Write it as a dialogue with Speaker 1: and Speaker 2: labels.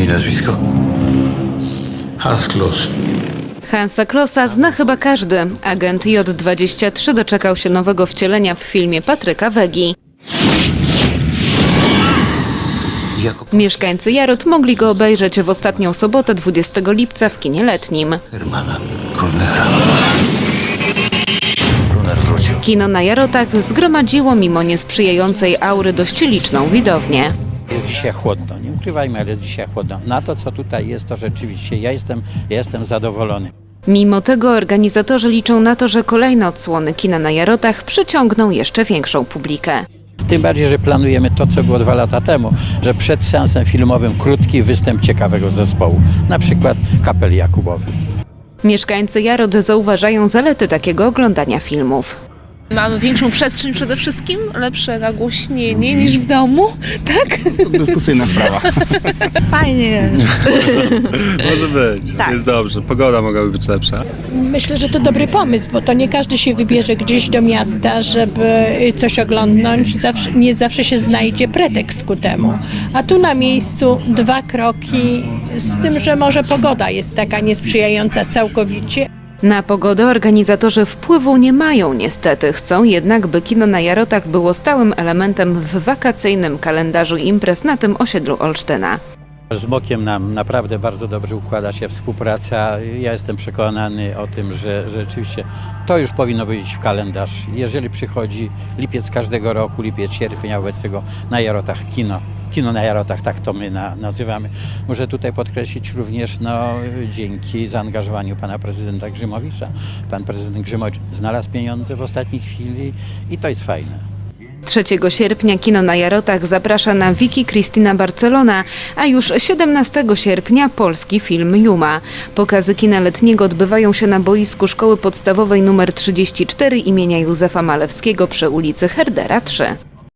Speaker 1: nazwisko?
Speaker 2: Hasklos.
Speaker 3: Hansa Klossa zna chyba każdy. Agent J23 doczekał się nowego wcielenia w filmie Patryka Wegi. Mieszkańcy Jarot mogli go obejrzeć w ostatnią sobotę 20 lipca w kinie letnim.
Speaker 1: Hermana Brunera.
Speaker 2: Brunner wrócił.
Speaker 3: Kino na Jarotach zgromadziło mimo niesprzyjającej aury dość liczną widownię.
Speaker 4: Jest dzisiaj chłodno, nie ukrywajmy, ale jest dzisiaj chłodno. Na to, co tutaj jest, to rzeczywiście ja jestem zadowolony.
Speaker 3: Mimo tego organizatorzy liczą na to, że kolejne odsłony kina na Jarotach przyciągną jeszcze większą publikę.
Speaker 4: Tym bardziej, że planujemy to, co było 2 lata temu, że przed seansem filmowym krótki występ ciekawego zespołu, na przykład Kapeli Jakubowy.
Speaker 3: Mieszkańcy Jarot zauważają zalety takiego oglądania filmów.
Speaker 5: Mamy większą przestrzeń przede wszystkim, lepsze nagłośnienie niż w domu, tak?
Speaker 6: Dyskusyjna sprawa.
Speaker 5: Fajnie jest.
Speaker 7: Może być, jest dobrze. Pogoda mogłaby być lepsza.
Speaker 8: Myślę, że to dobry pomysł, bo to nie każdy się wybierze gdzieś do miasta, żeby coś oglądnąć. Nie zawsze się znajdzie pretekst ku temu. A tu na miejscu 2 kroki, z tym, że może pogoda jest taka niesprzyjająca całkowicie.
Speaker 3: Na pogodę organizatorzy wpływu nie mają niestety. Chcą jednak, by kino na Jarotach było stałym elementem w wakacyjnym kalendarzu imprez na tym osiedlu Olsztyna.
Speaker 4: Z Mokiem nam naprawdę bardzo dobrze układa się współpraca. Ja jestem przekonany o tym, że rzeczywiście to już powinno być w kalendarz. Jeżeli przychodzi lipiec każdego roku, lipiec, sierpień, a wobec tego na Jarotach kino na Jarotach, tak to my nazywamy. Muszę tutaj podkreślić również dzięki zaangażowaniu pana prezydenta Grzymowicza. Pan prezydent Grzymowicz znalazł pieniądze w ostatniej chwili i to jest fajne.
Speaker 3: 3 sierpnia kino na Jarotach zaprasza na Wiki Krystyna Barcelona, a już 17 sierpnia polski film Juma. Pokazy kina letniego odbywają się na boisku Szkoły Podstawowej nr 34 imienia Józefa Malewskiego przy ulicy Herdera 3.